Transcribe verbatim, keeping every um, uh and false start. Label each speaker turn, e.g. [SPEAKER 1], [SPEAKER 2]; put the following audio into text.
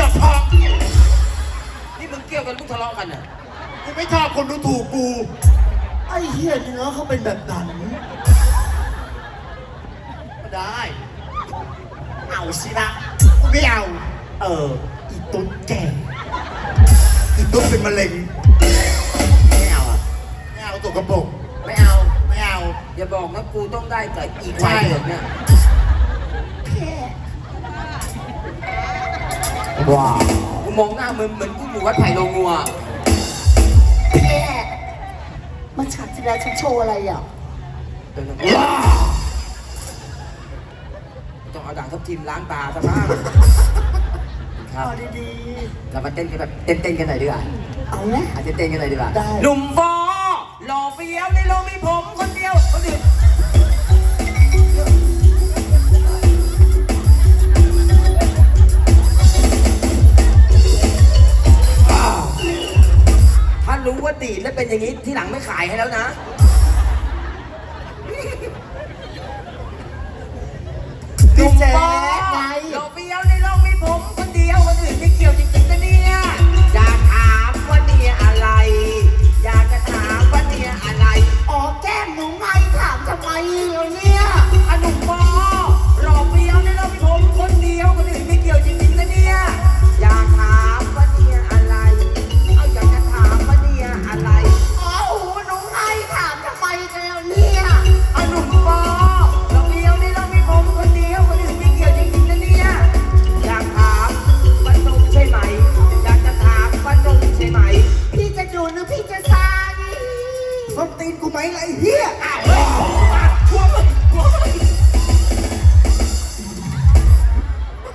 [SPEAKER 1] จะพอ
[SPEAKER 2] นี่มึงเกี่ยวกันมึงทะเลาะกันอ่ะ
[SPEAKER 1] กูไม่ชอบคนดูถูกกูไอ้เหี้ยเนื้อเขาเป็นแบบนั้นก็ได้เอาสินะกูไม่เอาเอออีตุ๊ดแก่อีตุ๊ดเป็นมะเร็งไม่เอาอ่ะไม่เอาตัวกระปุก
[SPEAKER 2] ไม่เอา
[SPEAKER 1] ไม่เอา
[SPEAKER 2] อย่าบอกนะกูต้องได้กับอีกวันเดียวเนี่ยว้าวกูมองหน้ามึงเหมือนกูอยู่วัดไผ่โลงัว
[SPEAKER 3] แค่มาฉากที่แล้วฉันโชว์อะไรอ่ะ
[SPEAKER 2] ต้องเอาด่างทับทิมล้างตาซะบ้างครับ
[SPEAKER 3] เอาดี
[SPEAKER 2] เรามาเต้นกันแบบเต้นๆกันหน่อยดีกว่า
[SPEAKER 3] ๆเอาไหม
[SPEAKER 2] อาจจะเต้นกันหน่อยดีกว่า
[SPEAKER 3] ได้
[SPEAKER 2] หนุ่มฟอหล่อเฟี้ยวในโลกมีผมคนเดียวคนอื่นถ้ารู้ว่าดีดแล้วเป็นอย่างนี้ที่หลังไม่ขายให้แล้วนะหนุ่มฟอหล่อเฟี้ยวในโลกมีผมคนเดียวคนอื่นไม่เกี่ยวจริงๆนะเนี่ยอยากถามว่าเนี่ยอะไรอยากจะถามว่าเนี่ยอะไร
[SPEAKER 3] อ๋อแก้มหนูไงถามทำไมเหรอเนี่ย
[SPEAKER 2] อะหนุ่มฟอหล่อเฟี้ยวในโลกมีผมคนเดียวคนอื่นไม่เกี่ยวจริงๆนะเนี่ยอยากถามว่าเนี่ยอะไรเอาอยากจะถามว่าเนี่ยอะไร
[SPEAKER 3] อ๋อหูหนูไงถามทำไมกันแล้วเนี่ย
[SPEAKER 2] อะหนุ่มฟอหล่อเฟี้ยวในโลกมีผมคนเดียวคนอื่นไม่เกี่ยวจริงๆนะเนี่ยอยากถามว่าตรงใช่ไหมอยากจะถามว่าตรงใช่ไหม
[SPEAKER 3] พี่จะดูหรือพี่จะซาดิ
[SPEAKER 1] ต้นตีนกูไหมไอ้เหี้ยอ้าว
[SPEAKER 2] พวกมึงพวกมึง